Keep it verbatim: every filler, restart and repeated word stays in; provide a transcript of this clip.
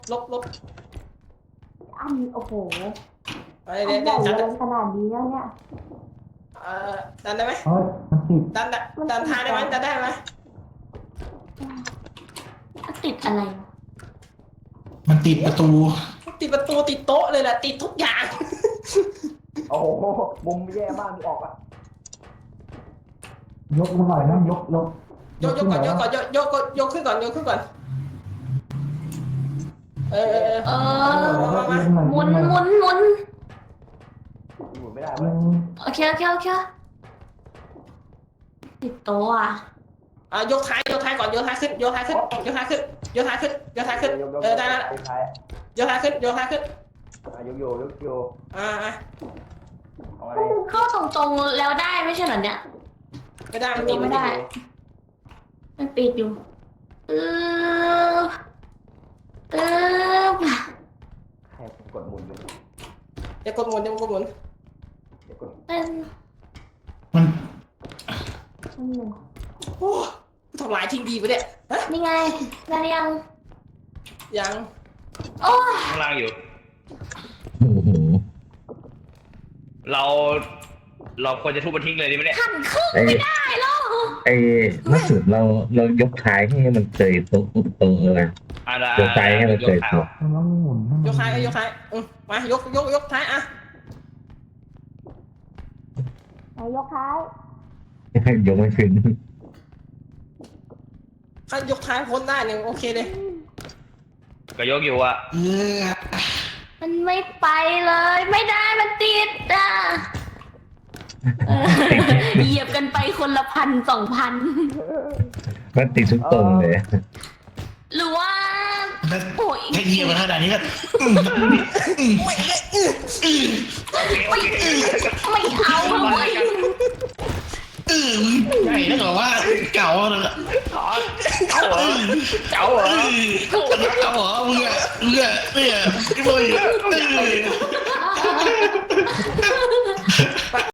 ลบลบอันโอ้โหเอันใหญ่เลยขนาดนี้แล้วเนี่ยเอ่อดันได้ไหมเฮ้ยมันติดดันดันดันท้ายได้ไหมดันได้ไหมติดอะไรมันติดประตูติดประตูติดโต๊ะเลยแหละติดทุกอย่างโอ้โหมุมแย่มากมีออกอ่ะยกมันหน่อยนะยกยกยกยกก่อนยกก่อนยกยกยกขึ้นก่อนยกขึ้นก่อนเออเออเออหมุนหมุนหมุนหมุนไม่ได้เว้ยโอเคโอเคโอเคติดโต๊ะอ่ะอ่ะยกท้ายยกท้ายก่อนยกท้ายขึ้นยกท้ายขึ้นยกท้ายขึ้นยกท้ายขึ้นยกท้ายขึ้นเออได้แล้วยกท้ายขึ้นยกท้ายขึ้นอ่ะยกโยยกโยอ่าอ่ะเข้าตรงๆแล้วได้ไม่ใช่เหรอเนี่ยไม่ได้มันไม่ได้มันปิดอยู่เออเออใครกดหมุนอยู่อย่ากดหมุนอย่ากดหมุนอย่ากดเป็นมันโอ้ทำลายทิ้งดีไปเนี่ยนี่ไงได้ยังยังโอ้ข้างล่างอยู่โอ้โหเราเราควรจะทุบมันทิ้งเลยดีไหมเนี่ยหันครึ่งไม่ได้หรอไอ้ล่าสุดเราเรายกท้ายให้มันเกยตรงตรงเลยยกท้ายให้มันเกยตรงมันหมุนยกท้ายยกท้ายมายกยกยกท้ายอ่ะยกท้ายยกไม่ขึ้นถ้ายกท้ายพ้นได้เนี่ยโอเคเลยก็ยกอยู่อ่ะมันไม่ไปเลยไม่ได้มันติดอ่ะเหยียบกันไปคนละพันสองพันมันติดทุกตรงเลยหรือว่าโอ้ยแค่เหยียบมาขนาดนี้ก็ไม่ไม่เอาเลยใหญ่แล้วก็ว่าเก่าเลยเก่าเหรอเก่าเหรอเก่าเหรอมึงอะมึงอะเนี่ยไอ้บอย